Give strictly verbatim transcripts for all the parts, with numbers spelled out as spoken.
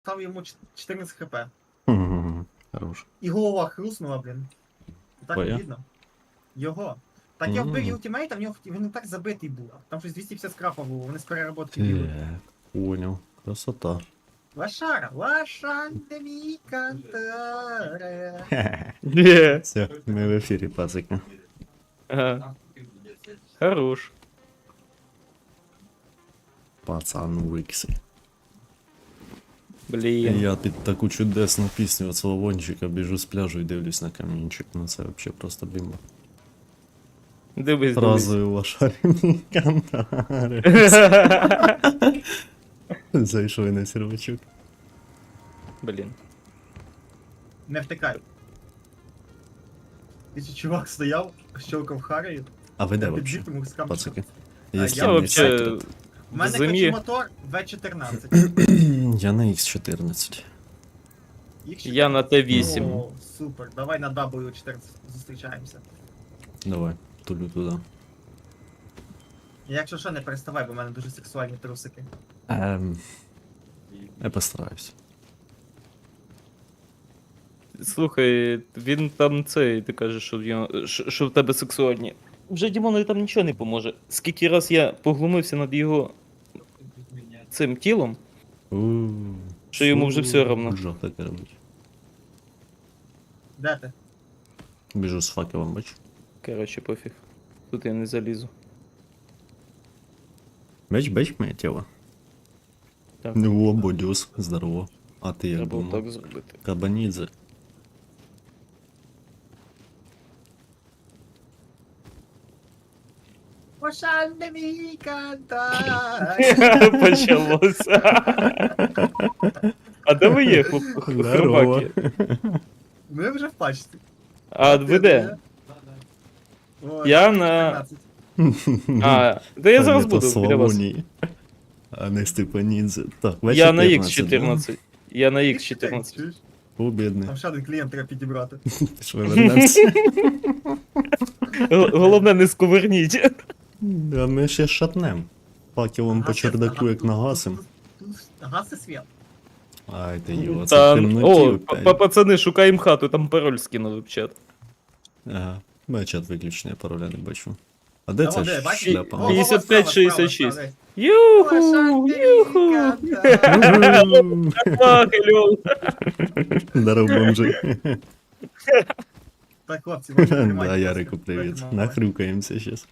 став йому чотирнадцять хп. Мгм. Хорош. І голова хруснула, блін. Так Твоя? видно. Його. Так я вбив Мгм. його тімейта, в нього він не так забитий був. Там щось двісті п'ятдесят скрапа було, вони з переработки бігли. Так, понял. Красота. Лошара, лошадь мій кантаре. Є. Все, ми в ефірі, пацики. Ага. Хорош. Пацан Віксі. Блін. Я під таку чудесну пісню від Славончика біжу з пляжу і дивлюсь на камінчик. Ну це взагалі просто бімба. Дивись, дивись. Фразою лошарні кантари. Зайшов на сервачок. Блін. Не втикай. Ти чи чувак стояв, щелкав Харою, А ви де я вообще, підбіг, тому з камчиком. пацики? А Є я темний вообще- секрет. У мене Зимі. кочемотор ве чотирнадцять. Я на ікс чотирнадцять. Їх Я на Т вісім. О, супер, давай на дабл ю чотирнадцять зустрічаємося. Давай, тулю туди. І якщо що, не переставай, бо в мене дуже сексуальні трусики. Ем, я постараюсь. Слухай, він там цей, ти кажеш, що в, нього- що, що в тебе сексуальні. Вже Дімонові там нічого не поможе. Скільки раз я поглумився над його цим тілом, У-у-у. Що йому вже все равно. Жах таке робить. Де ти? Біжу з факелом, бач. коротше, пофіг. Тут я не залізу. Бач, бач моє тіло. Так. Ну, о, бодюс, здорово. А ти як Треба було думав? так зробити. Кабанідзе. Лошадь мій кантаре. Почалося. А де ви є, хлоп... Здорово. хробаки? Ми вже в пачці. А ви де? О, Я на- чотирнадцять. А, де я зараз Та ні, то буду біля вас. Славоній. А не Степанідзе. Так, В Я на чотирнадцять, ікс чотирнадцять. Я на ікс чотирнадцять. Чуєш? да? О, бідний. Там ще один клієнт треба підібрати. Ти ж вивернемся. Г- Головне, не сковерніть. А ми ще шатнем. Факелом по Гаси- чердаку як ага, нагасим. тут- тут Гаси світ. Ай ти його, це в Там, темноті о, опять. па- пацани, шукаємо хату, там пароль скинули в чат. Ага. Мене чат виключений, пароля не бачу. А де Та це вон, де, ж бачиш? шляпа? О, о, о, п'ятдесят справа, п'ять шістдесят справа, шість. справа. Юху, Лошадь юху. мій кантаре. Так, Льол. Здоров, бомжи. Так, хлопці, ви тримайте, Да, будь Ярику, ласка. привіт. Давайте, Нахрюкаємося щас.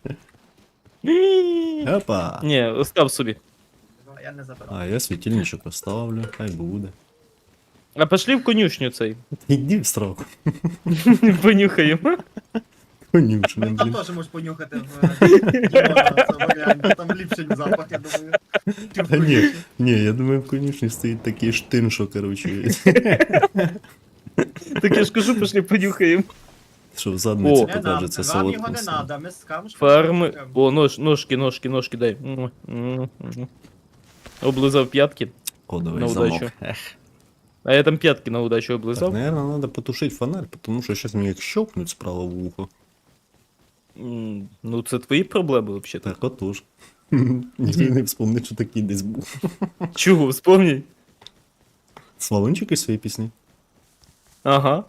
Опа. Ні, остав собі. мама. Я не забирав. А я світильничок оставлю, хай буде. А пошли в конюшню цей. Іди в сраку. Понюхаємо. Конюшня, Там блін. теж можеш понюхати в е, Дімона, це варіант, там ліпший запах, я думаю. Чим Та ні, вкусніше. ні, я думаю, в конюшні стоїть такий штин, що, короче, Так я ж кажу, пошли понюхаємо. що в задниці О. Не нам, покажеться вам його солодким. не сном. треба, ми з камушком. Фарми. О, нож, ножки, ножки, ножки дай. М, м, м. Облизав п'ятки. Кодовий На замок. удачу. Ех. А я там п'ятки на удачу Так, облизав. наверное, надо потушить фонарь, потому что сейчас мне як щелкнуть справа в ухо. М, Ну, це твої проблеми взагалі. Так, отож. Ніхто не вспомнить, що такий десь був. Чого, вспомній? Славончик із своєї пісні. Ага.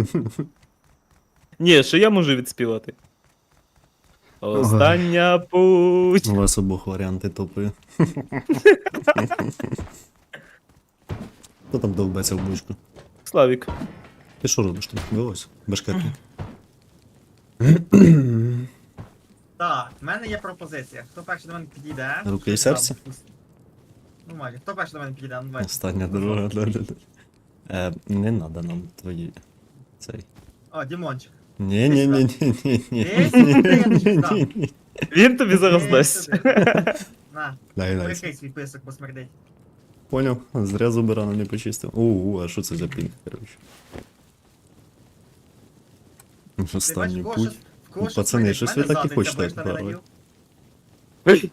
Ні, що я можу відспівати. Остання путь. У вас обох варіанти топи. Хто там довбеться в бучку? Славік. Ти що робиш там? Вилазь? Бешкетник. Так, в мене є пропозиція. Хто перший до мене підійде? Руки і щось там серце? вкусне. Ну, майже. Хто перший до мене підійде? Ну, давай. Остання дорога. да-да-да. Е, не надо нам твої. Цей. О, Дімончик. ні ні ні ні ні ні Ей, сюди, я тобі дам. ні Він тобі зараз Ей, дасть. сюди. На, Дай, дай. прикрий свій писок, бо смердить. Поняв, зря зуби рано не почистив. Оу, а що це за пінг, коротше? Ти Останній бачиш, в кого путь. щось- в кого Ну, щось пацани, смердить? щось В мене ви так і задниця, хочете бо я ж не відправити. надів.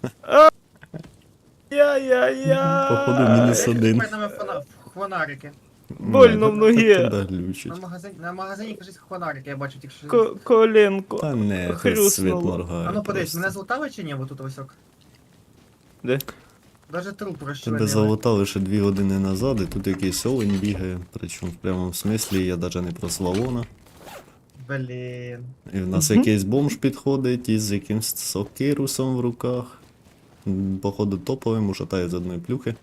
Я-я-я. Походу, мінус Ей, один. тепер нам фона- фонарики. Больно в ногі. Туди глючить. На магазині, на магазині кажуть фонарики, я бачу тільки що. Ко- Та Коленко. не, це світ моргає. Хрюснуло. А ну подивись, просто. мене злутали чи ні, отут ось ок? Де? Даже труп Тебе розчленили. залутали ще дві години назад, і тут якийсь олень бігає, причому в прямому смислі я навіть не про Славона. Блін. І в нас Мгм. якийсь бомж підходить із якимсь сокирусом в руках. М, Походу топовим, ушатає з одної плюхи.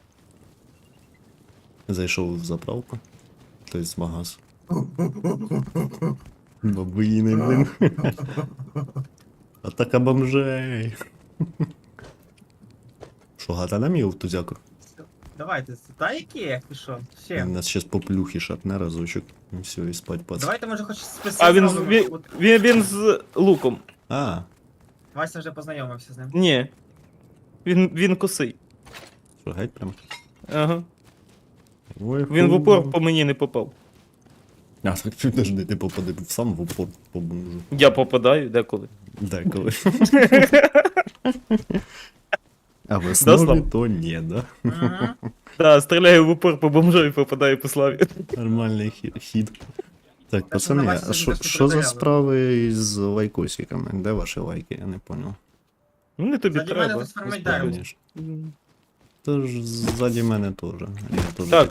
Зайшов в заправку. Тобто в магаз. Бабуїни, блин. Атака бомжей. Що, гата на мій тузяку? Давайте, та які, ти що? Ще. Він нас щас по плюхі шатне разочок. І все, і спать пац. Давайте, може, хоч список А він, з- зробимо. він, От він, він з луком. А, Вася вже познайомився з ним. Ні. Він, він косий. що, геть прям? Ага. Ой, Він в ху. упор по мені не попав. А, так підожди, ти попади сам в упор по бомжу. Я попадаю деколи. Деколи. А в Да, основі Слав? то ні, да? Угу. Так, стріляю в упор по бомжу і попадаю по славі. Нормальний хі- хід. Так, що пацани, на вас а що, теж не що за перевіряли. справи із лайкосиками? Де ваші лайки? Я не понял. Ну не тобі Заді мене треба. тут сформить дерево. Конечно. Тож ззаді мене теж. Я теж Так,